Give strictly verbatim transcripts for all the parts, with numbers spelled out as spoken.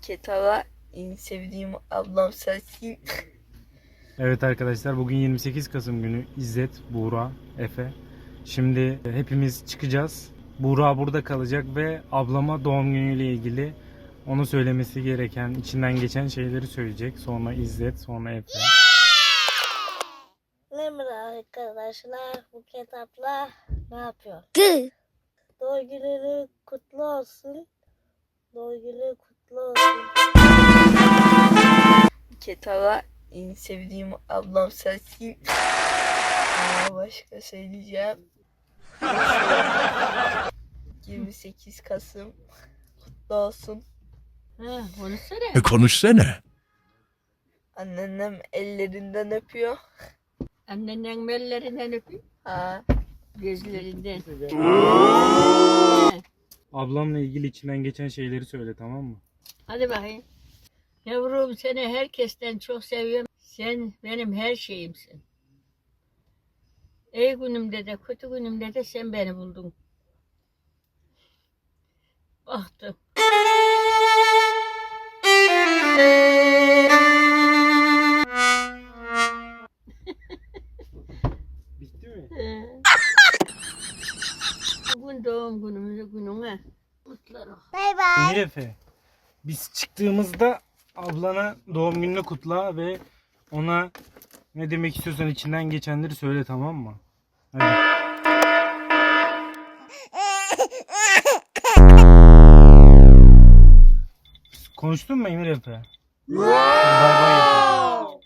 Ketala en sevdiğim ablam sensin. Evet arkadaşlar, bugün yirmi sekiz Kasım günü. İzzet, Buğra, Efe. Şimdi hepimiz çıkacağız. Buğra burada kalacak ve ablama doğum günüyle ilgili onu söylemesi gereken, içinden geçen şeyleri söyleyecek. Sonra İzzet, sonra Efe. Merhaba arkadaşlar, bu kitapla ne yapıyor? Gı. Doğum günü kutlu olsun. Doğum günü kutlu olsun. Ketala en sevdiğim ablam sensin. Aa, başka söyleyeceğim. yirmi sekiz Kasım kutlu olsun. Ha, konuşsana. E konuşsana. Anneannem ellerinden öpüyor. Annenin ellerinden öpeyim, Ha, gözlerinden. Ablamla ilgili içinden geçen şeyleri söyle, tamam mı? Hadi bakayım. Yavrum, seni herkesten çok seviyorum. Sen benim her şeyimsin. İyi günümde de kötü günümde de sen beni buldun. Baktım. Bitti mi? Ee, Bugün doğum günümüz gününe. Mutlu ol. Bay bay. Emir Efe, biz çıktığımızda ablana doğum gününü kutla ve ona ne demek istiyorsan içinden geçenleri söyle, tamam mı? Hadi. Konuştun mu Emir Efe? Bay bay Efe.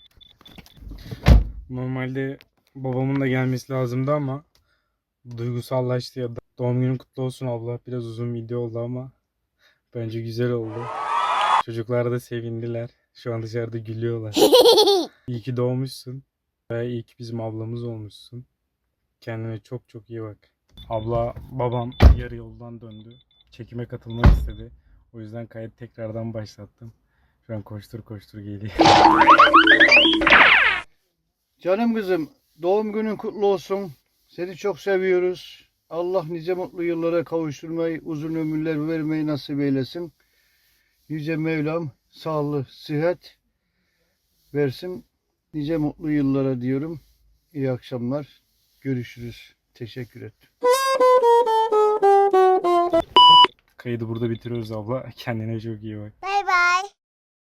Normalde babamın da gelmesi lazımdı ama duygusallaştı ya da. Doğum günün kutlu olsun abla. Biraz uzun video oldu ama bence güzel oldu. Çocuklar da sevindiler. Şu an dışarıda gülüyorlar. İyi ki doğmuşsun. Ve iyi ki bizim ablamız olmuşsun. Kendine çok çok iyi bak. Abla, babam yarı yoldan döndü. Çekime katılmak istedi. O yüzden kayıt tekrardan başlattım. Şu an koştur koştur geliyor. Canım kızım, doğum günün kutlu olsun. Seni çok seviyoruz. Allah nice mutlu yıllara kavuşturmayı, uzun ömürler vermeyi nasip eylesin. Yüce Mevlam sağlık, sıhhat versin. Nice mutlu yıllara diyorum. İyi akşamlar. Görüşürüz. Teşekkür ederim. Kaydı burada bitiriyoruz abla. Kendine çok iyi bak.